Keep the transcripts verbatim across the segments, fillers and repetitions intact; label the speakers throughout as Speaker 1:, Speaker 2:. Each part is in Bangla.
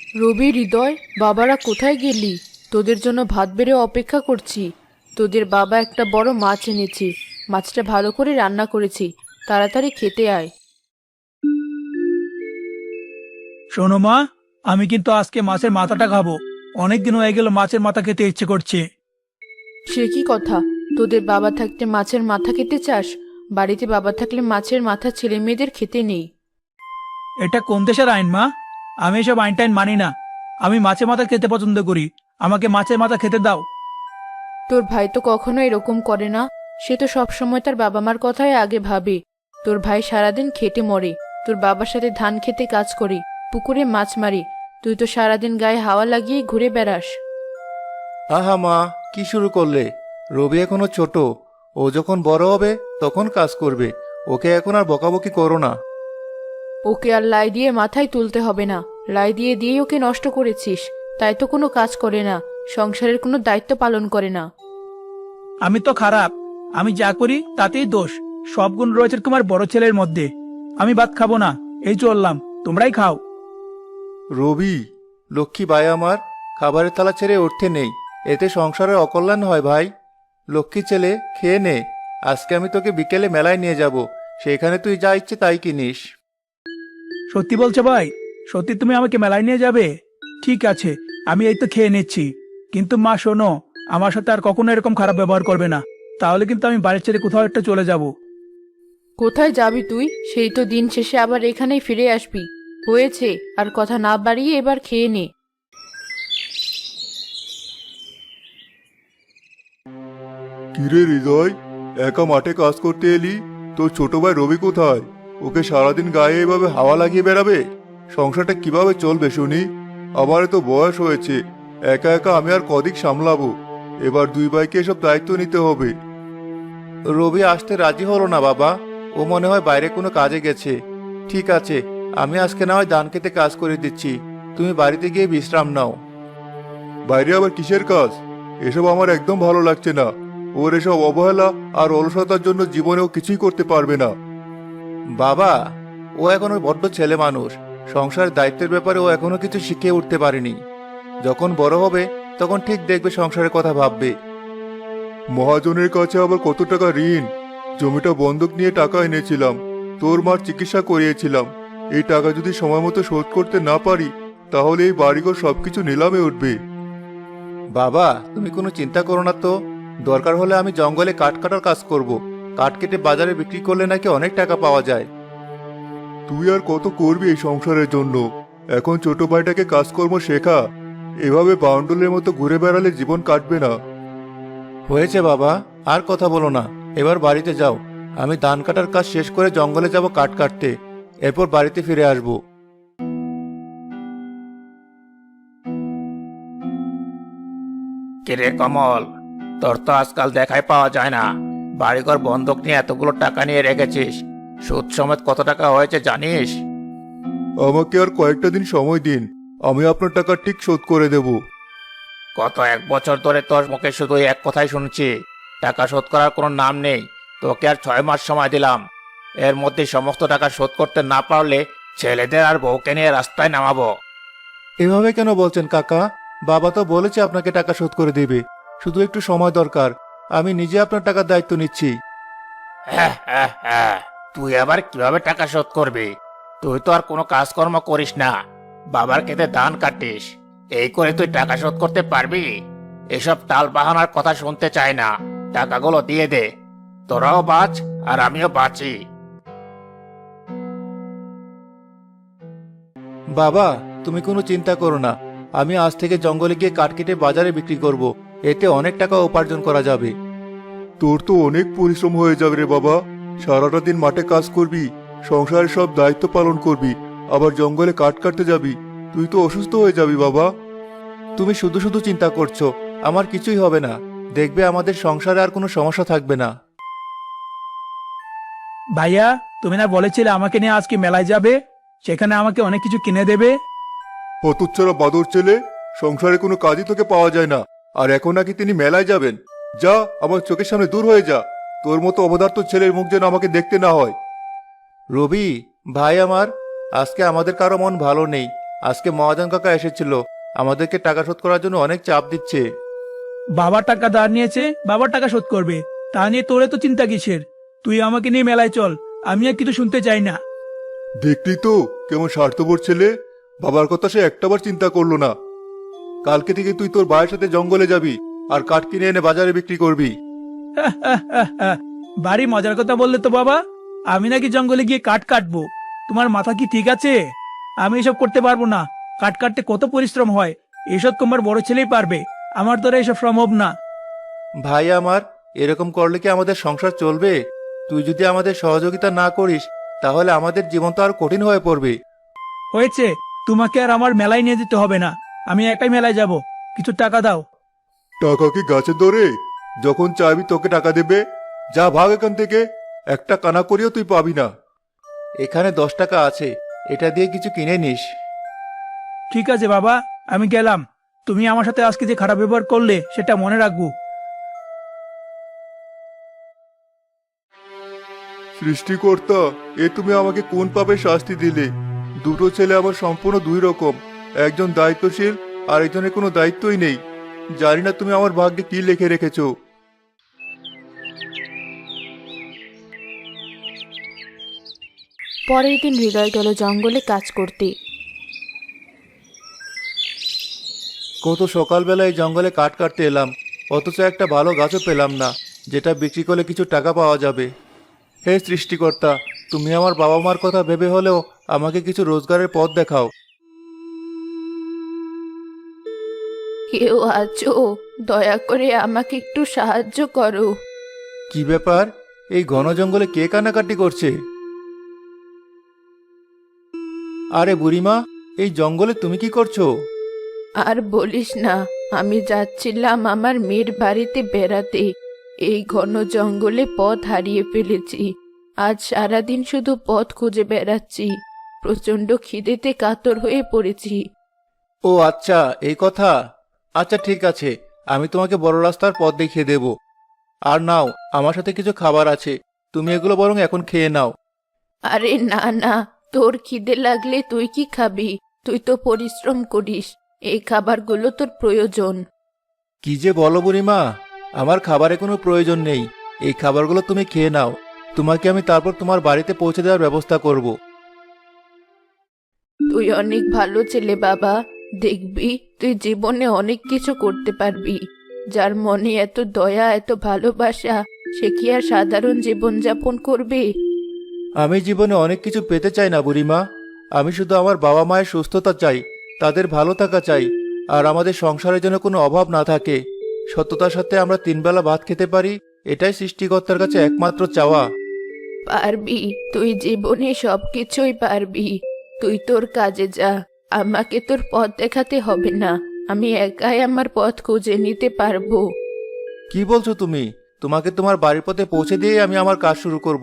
Speaker 1: রবি, হৃদয়, বাবারা কোথায় গেলি? তোদের জন্য ভাত বেড়ে অপেক্ষা করছি। তোদের বাবা একটা বড় মাছ এনেছি। মাছটা ভালো করে রান্না করেছি, তাড়াতাড়ি খেতে আয়।
Speaker 2: শোনো মা, আমি কিন্তু আজকে মাছের মাথাটা খাবো। অনেকদিন হয়ে গেল মাছের মাথা খেতে ইচ্ছে করছে।
Speaker 1: সে কি কথা? তোদের বাবা থাকতে মাছের মাথা খেতে চাস? বাড়িতে বাবা থাকলে মাছের মাথা ছেলে মেয়েদের খেতে নেই।
Speaker 2: এটা কোন দেশের আইন মা? আমি এসব আইন টাইন মানি না। আমি মাছের মাথা খেতে পছন্দ করি। আমাকে মাছের মাথা খেতে দাও।
Speaker 1: তোর ভাই তো কখনো এরকম করে না। সে তো সবসময় তার বাবা মার কথাই আগে ভাবে। তোর ভাই সারাদিন খেটে মরে, তোর বাবার সাথে ধান খেতে কাজ করি, পুকুরে মাছ মারি। তুই তো সারাদিন গায়ে হাওয়া লাগিয়ে ঘুরে বেড়াস।
Speaker 3: আহা মা, কি শুরু করলে? রবি এখনো ছোট। ও যখন বড় হবে তখন কাজ করবে। ওকে এখন আর বকাবকি করো না।
Speaker 1: ওকে আর লাই দিয়ে মাথায় তুলতে হবে না। লাই দিয়ে দিয়ে ওকে নষ্ট করেছিস। তাই তো কোনো কাজ করে না, সংসারের কোনো দায়িত্ব পালন করে না।
Speaker 2: আমি তো খারাপ। আমি যা করি তাতেই দোষ। সব গুণ রয়েছে তোমার বড় ছেলের মধ্যে। আমি ভাত খাবো না, এই চললাম। তোমরাই খাও।
Speaker 3: রবি, লক্ষ্মী ভাই আমার, খাবারের থালা ছেড়ে উঠতে নেই। এতে সংসারের অকল্যাণ হয় ভাই। লক্ষ্মী ছেলে, খেয়ে নে। আজকে আমি তোকে বিকেলে মেলায় নিয়ে যাব। সেখানে তুই যা ইচ্ছে তাই কিনিস।
Speaker 2: সত্যি বলছো ভাই? সত্যি তুমি আমাকে মেলায় নিয়ে যাবে? ঠিক আছে, আমি এই তো খেয়ে নিচ্ছি। কিন্তু মা শোনো, আমার সাথে আর কখনো এরকম খারাপ ব্যবহার করবে না। তাহলে কিন্তু আমি বাড়ির ছেড়ে কোথাও একটা চলে যাব।
Speaker 1: কোথায় যাবি তুই? সেই তো দিন শেষে আবার এখানেই ফিরে আসবি। হয়েছে, আর কথা না বাড়িয়ে এবার খেয়ে নে।
Speaker 3: কিরে হৃদয়, একা মাঠে কাজ করতে এলি? তোর ছোট ভাই রবি কোথায়? ওকে সারাদিন গায়ে এভাবে হাওয়া লাগিয়ে বেড়াবে? সংসারটা কিভাবে চলবে শুনি? আমারও তো বয়স হয়েছে। একা একা আমি আর কদিক সামলাবো? এবার দুই ভাইকে এসব দায়িত্ব নিতে হবে। রবি আসতে রাজি হলো না বাবা। ও মনে হয় বাইরে কোনো কাজে গেছে। ঠিক আছে, আমি আজকে না হয় ধান খেতে কাজ করে দিচ্ছি। তুমি বাড়িতে গিয়ে বিশ্রাম নাও। বাইরে আবার কিসের কাজ? এসব আমার একদম ভালো লাগছে না। ওর এসব অবহেলা আর অলসতার জন্য জীবনেও কিছুই করতে পারবে না। বাবা, ও এখনো বড্ড ছেলে মানুষ। সংসারের দায়িত্বের ব্যাপারে ও এখনো কিছু শিখে উঠতে পারেনি। যখন বড় হবে তখন ঠিক দেখবে, সংসারের কথা ভাববে। মহাজনের কাছে আবার কত টাকা ঋণ? জমিটা বন্ধক নিয়ে টাকা এনেছিলাম। তোর মার চিকিৎসা করিয়েছিলাম। এই টাকা যদি সময় মতো শোধ করতে না পারি, তাহলে এই বাড়িঘর সবকিছু নিলামে উঠবে। বাবা, তুমি কোনো চিন্তা করো না তো। দরকার হলে আমি জঙ্গলে কাঠ কাটার কাজ করব। কাঠ কেটে বাজারে বিক্রি করলে নাকি অনেক টাকা পাওয়া যায়। তুই আর কত করবি এই সংসারের জন্য? এখন ছোট ভাইটাকে কাজকর্ম শেখা। এভাবে বাউন্ডুলের মতো ঘুরে বেড়ালে জীবন কাটবে না। হয়েছে বাবা, আর কথা বলো না। এবার বাড়িতে যাও। আমি ধান কাটার কাজ শেষ করে জঙ্গলে যাব কাঠ কাটতে। এরপর বাড়িতে ফিরে আসবো।
Speaker 4: কিরে কমল, তোর তো আজকাল দেখাই পাওয়া যায় না। বাড়িঘর বন্ধক নিয়ে এতগুলো টাকা নিয়ে রেখেছিস। সুদ সমেত কত টাকা হয়েছে জানিস?
Speaker 3: আমাকে আর কয়েকটা দিন সময় দিন। আমি আপনার টাকা ঠিক শোধ করে দেব।
Speaker 4: গত এক বছর ধরে তোর মুখে শুধু এক কথাই শুনছি, টাকা শোধ করার কোনো নাম নেই। তোকে আর ছয় মাস সময় দিলাম। এর মধ্যে সমস্ত টাকা শোধ করতে না পারলে ছেলেদের আর বউকে নিয়ে রাস্তায় নামাবো।
Speaker 3: এভাবে কেন বলছেন কাকা? বাবা তো বলেছে আপনাকে টাকা শোধ করে দেবে। শুধু একটু সময় দরকার। আমি নিজে আপনার টাকার দায়িত্ব নিচ্ছি।
Speaker 4: হ্যাঁ হ্যাঁ হ্যাঁ, তুই আবার কিভাবে টাকা শোধ করবি? তুই তো আর কোনো কাজকর্ম করিস না, বাবার খেতে ধান কাটিস। এই করে তুই টাকা শোধ করতে পারবি? এসব টাল বাহানার কথা শুনতে চাই না। টাকাগুলো দিয়ে দে, তোরাও বাঁচ আর আমিও বাঁচি।
Speaker 3: বাবা, তুমি কোনো চিন্তা করো না। আমি আজ থেকে জঙ্গলে গিয়ে কাঠ কেটে বাজারে বিক্রি করব। এতে অনেক টাকা উপার্জন করা যাবে। তোর তো অনেক পরিশ্রম হয়ে যাবে রে বাবা। সারাটা দিন মাঠে কাজ করবি, সংসারের সব দায়িত্ব পালন করবি, আবার জঙ্গলে কাঠ কাটতে যাবি। তুই তো অসুস্থ হয়ে যাবি বাবা। তুমি শুধু শুধু চিন্তা করছো। আমার কিছুই হবে না। দেখবে আমাদের সংসারে আর কোনো সমস্যা থাকবে না।
Speaker 2: ভাইয়া, তুমি না বলেছিলে আমাকে নিয়ে আজকে মেলায় যাবে? সেখানে আমাকে অনেক কিছু কিনে দেবে।
Speaker 3: হতচ্ছাড়া বাদর ছেলে, সংসারে কোনো কাজই তোকে পাওয়া যায় না, আর এখন নাকি তিনি মেলায় যাবেন? যা, আমার চোখের সামনে দূর হয়ে যা। তোর মতো অবদার্থ ছেলের মুখ যেন আমাকে দেখতে না হয়। রবি ভাই আমার, আজকে আমাদের কারো মন ভালো নেই। আজকে মহাজন কাকা এসেছিল, আমাদেরকে টাকা শোধ করার জন্য অনেক চাপ দিচ্ছে।
Speaker 2: বাবার টাকা ধার নিয়েছে, বাবার টাকা শোধ করবে, তা নিয়ে তোরে তো চিন্তা কিসের? তুই আমাকে নিয়ে মেলায় চল, আমি আর কিছু শুনতে চাই না।
Speaker 3: দেখলি তো কেমন স্বার্থপর ছেলে, বাবার কথা সে একটাবার চিন্তা করলো না। কালকে থেকে তুই তোর ভাইয়ের সাথে জঙ্গলে যাবি আর কাঠ কিনে এনে বাজারে বিক্রি করবি।
Speaker 2: বাড়ি মজার কথা বললে তো বাবা, আমি নাকি জঙ্গলে গিয়ে কাঠ কাটবো? তোমার মাথা কি ঠিক আছে? আমি এসব করতে পারবো না। কাঠ কাটতে কত পরিশ্রম হয়, এসব তোমার বড় ছেলেই পারবে, আমার দ্বারা এসব সম্ভব না।
Speaker 3: ভাই আমার, এরকম করলে কি আমাদের সংসার চলবে? তুই যদি আমাদের সহযোগিতা না করিস তাহলে আমাদের জীবন তো আর কঠিন হয়ে পড়বে।
Speaker 2: হয়েছে, তোমাকে আর আমার মেলায় নিয়ে যেতে হবে না, আমি একাই মেলায় যাব। কিছু টাকা দাও।
Speaker 3: টাকা কি গাছে ধরে? যখন চাইবি তোকে টাকা দেবে। যা ভাগ এখান থেকে, একটা কানা করিও তুই পাবি না। এখানে দশ টাকা আছে, এটা দিয়ে কিছু কিনে নিস।
Speaker 2: ঠিক আছে বাবা, আমি গেলাম। তুমি আমার সাথে আজকে যে খারাপ ব্যবহার করলে সেটা মনে রাখবো।
Speaker 3: সৃষ্টিকর্তা, এ তুমি আমাকে কোন পাপে শাস্তি দিলে? দুটো ছেলে আমার সম্পূর্ণ দুই রকম, একজন দায়িত্বশীল আর একজনের কোনো দায়িত্বই নেই। জানি না তুমি আমার ভাগ্যে কি লিখে রেখেছো।
Speaker 1: পরের দিন হৃদয় গেল জঙ্গলে কাজ করতে।
Speaker 3: কত সকালবেলায় জঙ্গলে কাঠ কাটতে এলাম, অথচ একটা ভালো গাছও পেলাম না যেটা বিক্রি করলে কিছু টাকা পাওয়া যাবে। হে সৃষ্টিকর্তা, তুমি আমার বাবা মার কথা ভেবে হলেও আমাকে কিছু রোজগারের পথ দেখাও।
Speaker 1: কেউ আছো? দয়া করে আমাকে একটু সাহায্য করো।
Speaker 3: কি ব্যাপার, এই ঘন জঙ্গলে কে কান্নাকাটি করছে? আরে বুড়িমা, এই জঙ্গলে তুমি কি করছো?
Speaker 1: আর বলিস না, আমি যাচ্ছিলাম আমার মেয়ের বাড়িতে বেড়াতে। এই ঘন জঙ্গলে পথ হারিয়ে ফেলেছি। আজ সারাদিন শুধু পথ খুঁজে বেড়াচ্ছি। প্রচন্ড খিদেতে কাতর হয়ে পড়েছি।
Speaker 3: ও আচ্ছা, এই কথা। আচ্ছা ঠিক আছে, আমি তোমাকে বড় রাস্তার পথ দেখিয়ে দেব। আর নাও, আমার সাথে কিছু খাবার আছে, তুমি এগুলো বরং এখন খেয়ে নাও।
Speaker 1: আরে না না, তোর খিদে লাগলে তুই কি খাবি? তুই তো পরিশ্রম করিস, এই খাবারগুলো তোর প্রয়োজন।
Speaker 3: কি যে বলো বুড়িমা, আমার খাবারে কোনো প্রয়োজন নেই। এই খাবারগুলো তুমি খেয়ে নাও, তোমাকে আমি তারপর তোমার বাড়িতে পৌঁছে দেওয়ার ব্যবস্থা করব।
Speaker 1: তুই অনেক ভালো ছেলে বাবা। দেখবি তুই জীবনে অনেক কিছু করতে পারবি। যার মনে এত দয়া, এত ভালোবাসা, সে কি আর সাধারণ জীবনযাপন করবে?
Speaker 3: আমি জীবনে অনেক কিছু পেতে চাই না বুড়িমা, আমি শুধু আমার বাবা মায়ের সুস্থতা চাই, তাদের ভালো থাকা চাই, আর আমাদের সংসারের জন্য কোনো অভাব না থাকে। সততার সাথে আমরা তিনবেলা ভাত খেতে পারি, এটাই সৃষ্টিকর্তার কাছে একমাত্র চাওয়া।
Speaker 1: পারবি, তুই জীবনে সবকিছুই পারবি। তুই তোর কাজে যা, আমাকে তোর পথ দেখাতে হবে না। আমি একাই আমার পথ খুঁজে নিতে পারবো।
Speaker 3: কি বলছো তুমি? তোমাকে তোমার বাড়ির পথে পৌঁছে দিয়েই আমি আমার কাজ শুরু করব।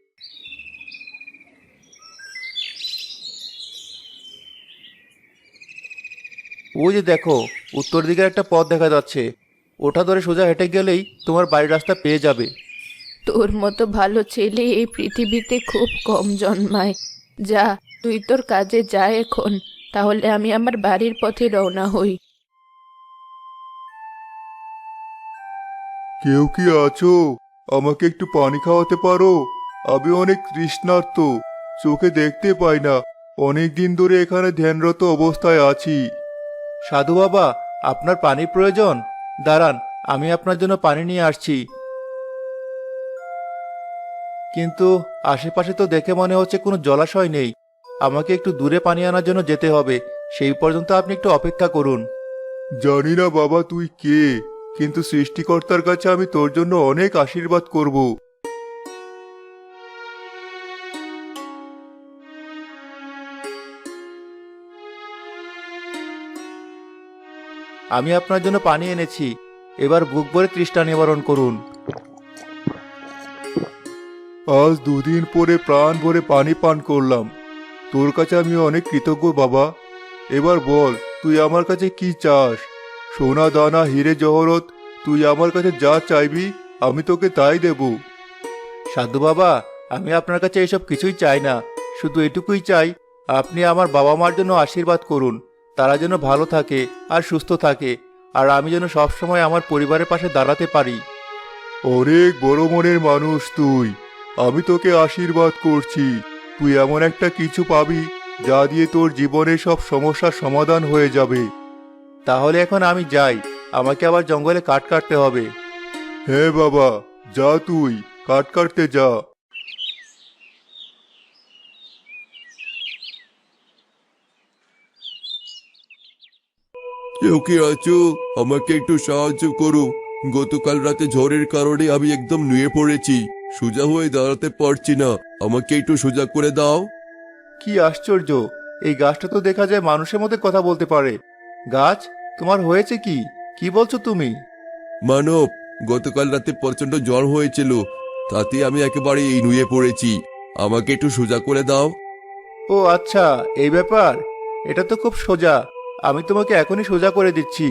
Speaker 3: ওই যে দেখো, উত্তর দিকের একটা পথ দেখা যাচ্ছে, ওটা ধরে সোজা হেঁটে গেলেই তোমার বাড়ির রাস্তা পেয়ে যাবে।
Speaker 1: তোর মতো ভালো ছেলে এই পৃথিবীতে খুব কম জন্মায়। যা, তুই তোর কাজে যা এখন, তাহলে আমি আমার বাড়ির পথে রওনা হই।
Speaker 3: কেউ কি আছো? আমাকে একটু পানি খাওয়াতে পারো? আমি অনেক তৃষ্ণার্ত, চোখে দেখতে পাই না, অনেক দিন ধরে এখানে ধ্যানরত অবস্থায় আছি। সাধু বাবা, আপনার পানির প্রয়োজন? দাঁড়ান, আমি আপনার জন্য পানি নিয়ে আসছি। কিন্তু আশেপাশে তো দেখে মনে হচ্ছে কোনো জলাশয় নেই। আমাকে একটু দূরে পানি আনার জন্য যেতে হবে, সেই পর্যন্ত আপনি একটু অপেক্ষা করুন। জানি না বাবা তুই কে, কিন্তু সৃষ্টিকর্তার কাছে আমি তোর জন্য অনেক আশীর্বাদ করব। আমি আপনার জন্য পানি এনেছি, এবার বুক ভরে তৃষ্ণা নিবারণ করুন। আজ দুদিন পরে প্রাণ ভরে পানি পান করলাম, তোর কাছে আমি অনেক কৃতজ্ঞ বাবা। এবার বল, তুই আমার কাছে কি চাস? সোনা দানা হিরে জহরত, তুই আমার কাছে যা চাইবি আমি তোকে তাই দেব। সাধু বাবা, আমি আপনার কাছে এসব কিছুই চাই না, শুধু এটুকুই চাই, আপনি আমার বাবা মার জন্য আশীর্বাদ করুন, তারা যেন ভালো থাকে আর সুস্থ থাকে, আর আমি যেন সবসময় আমার পরিবারের পাশে দাঁড়াতে পারি। অনেক বড় মনের মানুষ তুই, আমি তোকে আশীর্বাদ করছি। তুই এমন একটা কিছু পাবি যা দিয়ে তোর জীবনের সব সমস্যার সমাধান হয়ে যাবে। তাহলে এখন আমি যাই, আমাকে আবার জঙ্গলে কাঠ কাটতে হবে। হ্যাঁ বাবা, যা তুই কাঠ কাটতে যা।
Speaker 5: কেউ কি আছো? আমাকে একটু সাহায্য করো। গতকাল রাতে ঝড়ের কারণে আমি একদম নুয়ে পড়েছি, সোজা হয়ে দাঁড়াতে পারছি না। আমাকে একটু সোজা করে দাও।
Speaker 3: কি আশ্চর্য, এই গাছটা তো দেখা যায় মানুষের মধ্যে কথা বলতে পারে। গাছ, তোমার হয়েছে কি? কি বলছো তুমি?
Speaker 5: মানব, গতকাল রাতে প্রচন্ড জ্বর হয়েছিল, তাতে আমি একেবারে এই নুয়ে পড়েছি। আমাকে একটু সোজা করে দাও।
Speaker 3: ও আচ্ছা, এই ব্যাপার। এটা তো খুব সোজা, আমি তোমাকে এখনই সোজা করে দিচ্ছি।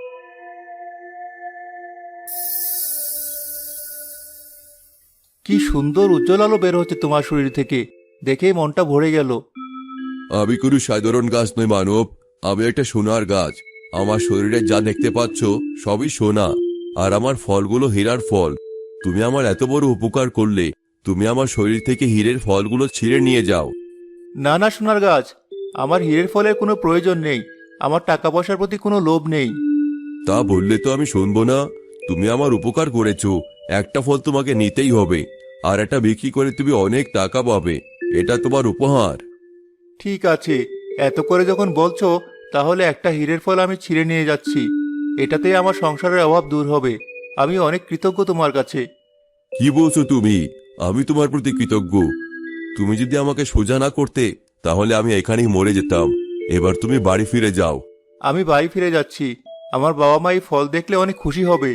Speaker 3: কি সুন্দর উজ্জ্বল আলো বের হচ্ছে তোমার শরীর থেকে, দেখেই মনটা ভরে গেল।
Speaker 5: আমি কোনো সাধারণ গাছ নই মানব, আমি একটা সোনার গাছ। আমার শরীরে যা দেখতে পাচ্ছ সবই সোনা, আর আমার ফলগুলো হীরার ফল। তুমি আমার এত বড় উপকার করলে, তুমি আমার শরীর থেকে হীরের ফলগুলো ছিঁড়ে নিয়ে যাও।
Speaker 3: না না সোনার গাছ, আমার হীরের ফলের কোনো প্রয়োজন নেই, আমার টাকা পয়সার প্রতি কোনো লোভ নেই।
Speaker 5: তা বললে তো আমি শুনবো না। তুমি আমার উপকার করেছো, একটা ফল তোমাকে নিতেই হবে, আর এটা বিক্রি করে তুমি অনেক টাকা পাবে। এটা তোমার উপহার।
Speaker 3: ঠিক আছে, এত করে যখন বলছো, তাহলে একটা হীরের ফল আমি ছিঁড়ে নিয়ে যাচ্ছি। এটাতেই আমার সংসারের অভাব দূর হবে। আমি অনেক কৃতজ্ঞ তোমার কাছে।
Speaker 5: কি বলছো তুমি? আমি তোমার প্রতি কৃতজ্ঞ? তুমি যদি আমাকে সোজা না করতে, তাহলে আমি এখানেই মরে যেতাম। এবার তুমি বাড়ি ফিরে যাও।
Speaker 3: আমি বাড়ি ফিরে যাচ্ছি, আমার বাবা মা এই ফল দেখলে অনেক খুশি হবে।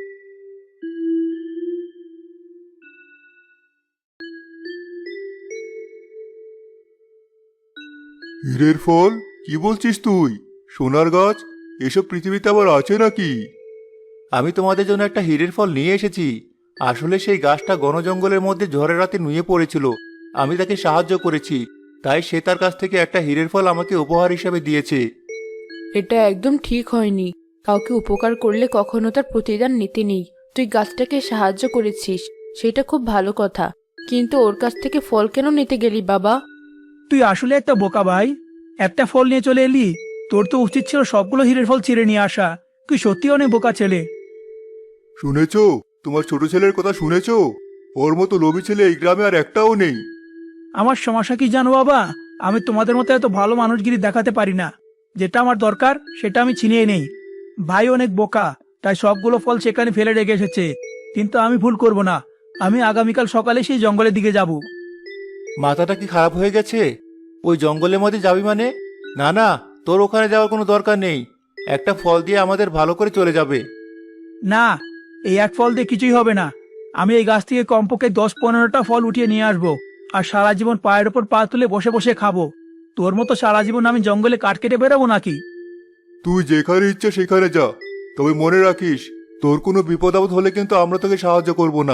Speaker 3: হীরের ফল? কি বলছিস তুই? সোনার গাছ? এসব পৃথিবীতে আবার আছে নাকি? আমি তোমাদের জন্য একটা হীরের ফল নিয়ে এসেছি। আসলে সেই গাছটা ঘন জঙ্গলের মধ্যে ঝড়ের রাতে নুয়ে পড়েছিল, আমি তাকে সাহায্য করেছি, তাই সে তার কাছ থেকে একটা হীরের ফল আমাকে উপহার হিসেবে দিয়েছে।
Speaker 1: এটা একদম ঠিক হয়নি। কাউকে উপকার করলে কখনো তার প্রতিদান নিতে নেই। তুই গাছটাকে সাহায্য করেছিস, সেটা খুব ভালো কথা, কিন্তু ওর কাছ থেকে ফল কেন নিতে গেলি বাবা?
Speaker 2: তুই আসলে একটা বোকা ভাই, একটা ফল নিয়ে চলে এলি। তোর তো উচিত ছিল সবগুলো হীরের ফল ছিঁড়ে নিয়ে আসা। তুই সত্যি অনেক বোকা ছেলে।
Speaker 3: শুনেছো? তোমার ছোট ছেলের কথা শুনেছো? ওর মতো লোভী ছেলে এই গ্রামে আর একটাও নেই।
Speaker 2: আমার সমস্যা কি জানো বাবা, আমি তোমাদের মতো এত ভালো মানুষগিরি দেখাতে পারি না। যেটা আমার দরকার সেটা আমি ছিনিয়ে নেই। ভাই অনেক বোকা, তাই সবগুলো ফল সেখানে ফেলে রেখে এসেছে। কিন্তু আমি ভুল করব না, আমি আগামীকাল সকালে সেই জঙ্গলের দিকে যাব।
Speaker 3: মাথাটা কি খারাপ হয়ে গেছে? ওই জঙ্গলের মধ্যে যাবি মানে? না না, তোর ওখানে যাওয়ার কোনো দরকার নেই। একটা ফল দিয়ে আমাদের ভালো করে চলে যাবে।
Speaker 2: না, এই এক ফল দিয়ে কিছুই হবে না। আমি এই গাছ থেকে কমপক্ষে দশ পনেরোটা ফল উঠিয়ে নিয়ে আসবো, আর সারা জীবন পায়ের ওপর পা তুলে বসে বসে খাবো। তোর মতো সারা জীবন আমি জঙ্গলে কাঠ কেটে বেরোবো নাকি?
Speaker 3: তুই যেখানে ইচ্ছে সেখানে যা, তবে মনে রাখিস, তোর কোনো বিপদ আপদ হলে কিন্তু আমরা তোকে সাহায্য করব না।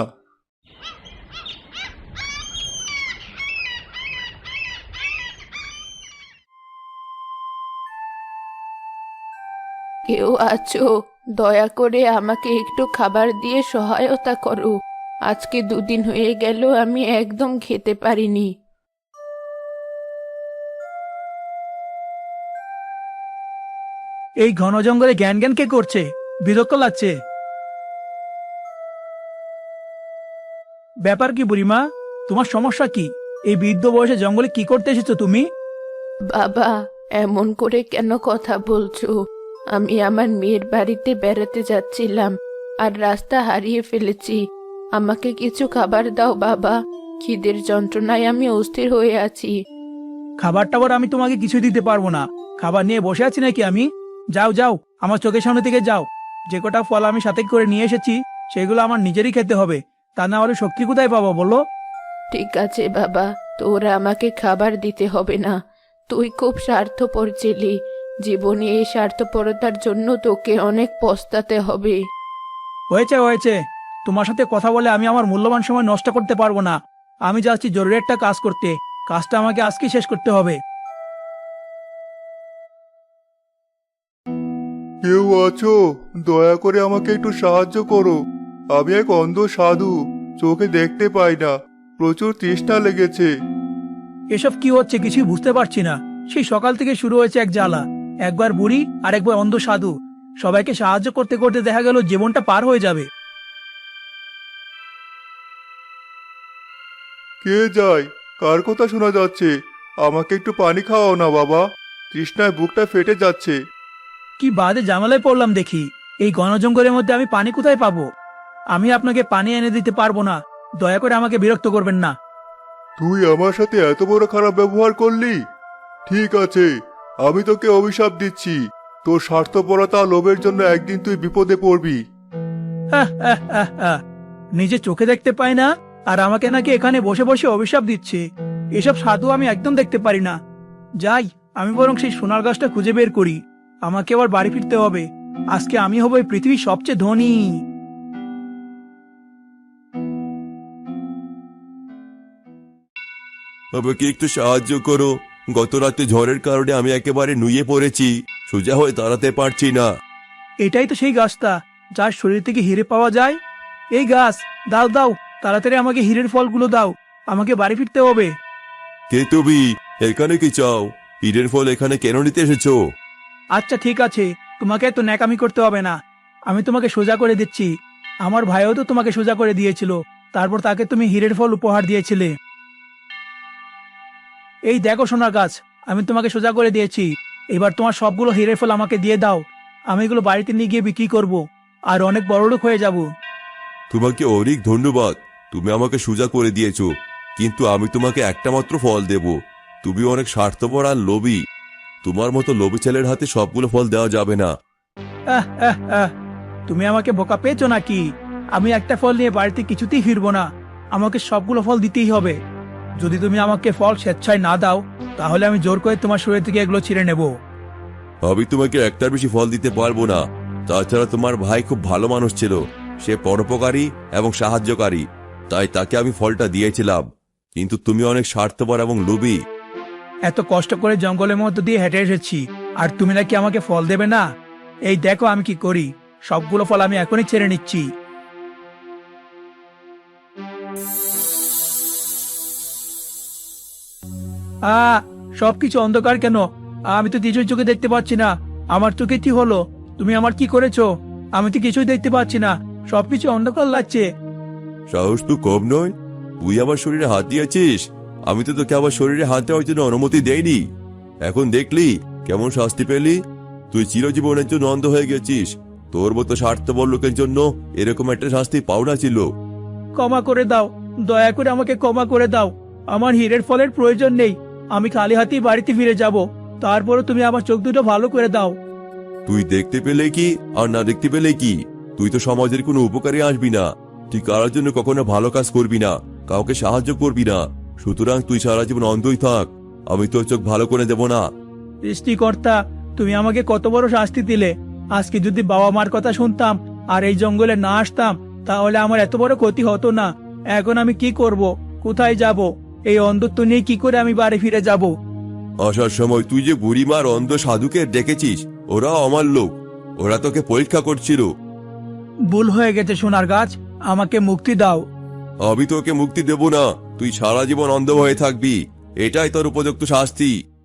Speaker 1: কেউ আছো? দয়া করে আমাকে একটু খাবার দিয়ে সহায়তা করো। আজকে দুদিন হয়ে গেল আমি একদম খেতে পারিনি।
Speaker 2: এই ঘন জঙ্গলে জ্ঞান জ্ঞান কে করছে? বিরক্ত লাগছে। ব্যাপার কি বুড়িমা, তোমার সমস্যা কি? এই বৃদ্ধ বয়সে জঙ্গলে কি করতে এসেছো তুমি?
Speaker 1: বাবা, এমন করে কেন কথা বলছো? আমি আমার মেয়ের বাড়িতে বেড়াতে যাচ্ছিলাম, আর রাস্তা হারিয়ে ফেলেছি। আমাকে কিছু খাবার দাও বাবা, খিদের যন্ত্রণায় আমি অস্থির হয়ে আছি।
Speaker 2: খাবার টাবার আমি তোমাকে কিছু দিতে পারবো না। খাবার নিয়ে বসে আছি নাকি আমি? যাও যাও, আমার চোখের সামনে থেকে যাও। যে কটা ফল আমি সাথে করে নিয়ে এসেছি সেগুলো আমার নিজেরই খেতে হবে, তা না হলে শক্তি কোথায় পাবো বলো?
Speaker 1: ঠিক আছে বাবা, তোরা আমাকে খাবার দিতে হবে না। তুই খুব স্বার্থপর ছিলি, জীবনে এই স্বার্থপরতার জন্য তোকে অনেক পস্তাতে হবে।
Speaker 2: হয়েছে হয়েছে, তোমার সাথে কথা বলে আমি আমার মূল্যবান সময় নষ্ট করতে পারবো না। আমি যাচ্ছি জরুরি একটা কাজ করতে, কাজটা আমাকে আজকেই শেষ করতে হবে।
Speaker 3: কেউ আছো? দয়া করে আমাকে একটু সাহায্য করো। আমি এক অন্ধ সাধু, চোখে দেখতে পাই না, প্রচুর তৃষ্ণা লেগেছে।
Speaker 2: এসব কি হচ্ছে কিছুই বুঝতে পারছি না। সেই সকাল থেকে শুরু হয়েছে এক জ্বালা। একবার বুড়ি আর একবার অন্ধ সাধু, সবাইকে সাহায্য করতে করতে দেখা গেল জীবনটা পার হয়ে যাবে।
Speaker 3: কে যায়? কার কথা শোনা যাচ্ছে? আমাকে একটু পানি খাওয়াও না বাবা, তৃষ্ণায় বুকটা ফেটে যাচ্ছে।
Speaker 2: কি বাদে জামালায় পড়লাম দেখি। এই ঘন জঙ্গলের মধ্যে আমি পানি কোথায় পাবো? আমি আপনাকে পানি এনে দিতে পারবো না, দয়া করে আমাকে বিরক্ত করবেন না।
Speaker 3: তুই আমার সাথে এত বড় খারাপ ব্যবহার করলি? ঠিক আছে, আমি তোকে অভিশাপ দিচ্ছি। তোর স্বার্থপরতা আর লোভের জন্য একদিন তুই বিপদে পড়বি।
Speaker 2: আহ, আহ, আহ, আহ। নিজে চোখে দেখতে পাই না আর আমাকে নাকি এখানে বসে বসে অভিশাপ দিচ্ছে। এসব সাধু আমি একদম দেখতে পারি না। যাই, আমি বরং সেই সোনার গাছটা খুঁজে বের করি। আমাকে আবার বাড়ি ফিরতে হবে। আজকে আমি হব এই পৃথিবীর সবচেয়ে ধনী।
Speaker 5: আমাকে একটু সাহায্য করো। গত রাতে ঝড়ের কারণে আমি একেবারে নুয়ে পড়েছি, সোজা হয়ে দাঁড়াতে পারছি না।
Speaker 2: এটাই তো সেই গাছটা যার শরীর থেকে হিরে পাওয়া যায়। এই গাছ, দাও দাও, তাড়াতাড়ি আমাকে হীরের ফলগুলো দাও। আমাকে বাড়ি ফিরতে হবে।
Speaker 5: কে তুমি? এখানে কি চাও? ঈদের ফল এখানে কেন নিতে এসেছো?
Speaker 2: আচ্ছা ঠিক আছে, তোমাকে এত ন্যাকামি করতে হবে না। আমি তোমাকে সোজা করে দিচ্ছি। আমার ভাইও তো তোমাকে সোজা করে দিয়েছিল, তারপর তাকে তুমি হীরের ফল উপহার দিয়েছিলে। এই দেখো সোনার গাছ, আমি তোমাকে সোজা করে দিয়েছি। এবার তোমার সবগুলো হীরের ফল আমাকে দিয়ে দাও। আমি এগুলো বাড়িতে নিয়ে গিয়ে বিক্রি করব আর অনেক বড়লোক হয়ে যাব।
Speaker 5: তোমাকে অনেক ধন্যবাদ, তুমি আমাকে সোজা করে দিয়েছো। কিন্তু আমি তোমাকে একটা মাত্র ফল দেব। তুমি অনেক স্বার্থপর আর লোভী। তোমার মতো লোভী ছেলের হাতে সবগুলো ফল দেওয়া যাবে না।
Speaker 2: আহ, আহ, আহ। তুমি আমাকে বোকা পেয়েছো নাকি? আমি একটা ফল নিয়ে বাড়িতে কিছুতেই ফিরবো না। আমাকে সবগুলো ফল দিতেই হবে। যদি তুমি আমাকে ফল স্বেচ্ছায় না দাও, তাহলে আমি জোর করে তোমার শরীর থেকে এগুলো ছিঁড়ে নেব।
Speaker 5: আমি তোমাকে একটার বেশি ফল দিতে পারবো না। তাছাড়া তোমার ভাই খুব ভালো মানুষ ছিল, সে পরোপকারী এবং সাহায্যকারী, তাই তাকে আমি ফলটা দিয়েছিলাম। কিন্তু তুমি অনেক স্বার্থপর এবং লোভী।
Speaker 2: এত কষ্ট করে জঙ্গলের মধ্যে দিয়ে হেঁটে এসেছি, আর তুমি নাকি আমাকে ফল দেবে না? এই দেখো আমি কি করি। সবগুলো ফল আমি এখনই ছেড়ে নিচ্ছি। আ সবকিছু অন্ধকার কেন? আমি তো কিছুই চোখে দেখতে পাচ্ছি না। আমার চোখে কি হলো? তুমি আমার কি করেছো? আমি তো কিছুই দেখতে পাচ্ছি না, সবকিছু অন্ধকার লাগছে।
Speaker 5: সাহস তো কম নয়, তুই আমার শরীরে হাত দিয়েছিস। আমি তো তোকে আমার শরীরে হাত দেওয়ার জন্য অনুমতি দেইনি। এখন দেখলি কেমন শাস্তি পেলি? তুই চিরজীবনের জন্য অন্ধ হয়ে গেছিস। তোর মতো স্বার্থপর লোকের জন্য এরকম একটা শাস্তি পাওনা ছিল।
Speaker 2: ক্ষমা করে দাও, দয়া করে আমাকে ক্ষমা করে দাও। আমার হীরের ফলের প্রয়োজন নেই। আমি খালি হাতেই বাড়িতে ফিরে যাব। তারপরে তুমি আমার চোখ দুটো ভালো করে দাও।
Speaker 5: তুই দেখতে পেলে কি আর না দেখতে পেলে কি, তুই তো সমাজের কোনো উপকারে আসবি না। তুই কারোর জন্য কখনো ভালো কাজ করবি না, কাউকে সাহায্য করবি না। সুতরাং তুই সারা জীবন অন্ধই থাক, আমি তোর চোখ ভালো করে দেব না।
Speaker 2: সৃষ্টিকর্তা, তুমি আমাকে কত বড় শাস্তি দিলে। আজকে যদি বাবা মার কথা শুনতাম আর এই জঙ্গলে না আসতাম, তাহলে আমার এত বড় ক্ষতি হতো না। এখন আমি কি করব? কোথায় যাব? এই অন্ধত্ব নিয়ে কি করে আমি বাড়ি ফিরে যাব?
Speaker 5: আসার সময় তুই যে বুড়িমার অন্ধ সাধুকে ডেকেছিস, ওরা আমার লোক। ওরা তোকে পরীক্ষা করছিল।
Speaker 2: ভুল হয়ে গেছে সোনার গাছ, আমাকে মুক্তি দাও।
Speaker 5: আমি তোকে মুক্তি দেব না, তুই সারা জীবন অন্ধ হয়ে থাকবি। এটাই তোর উপযুক্ত শাস্তি।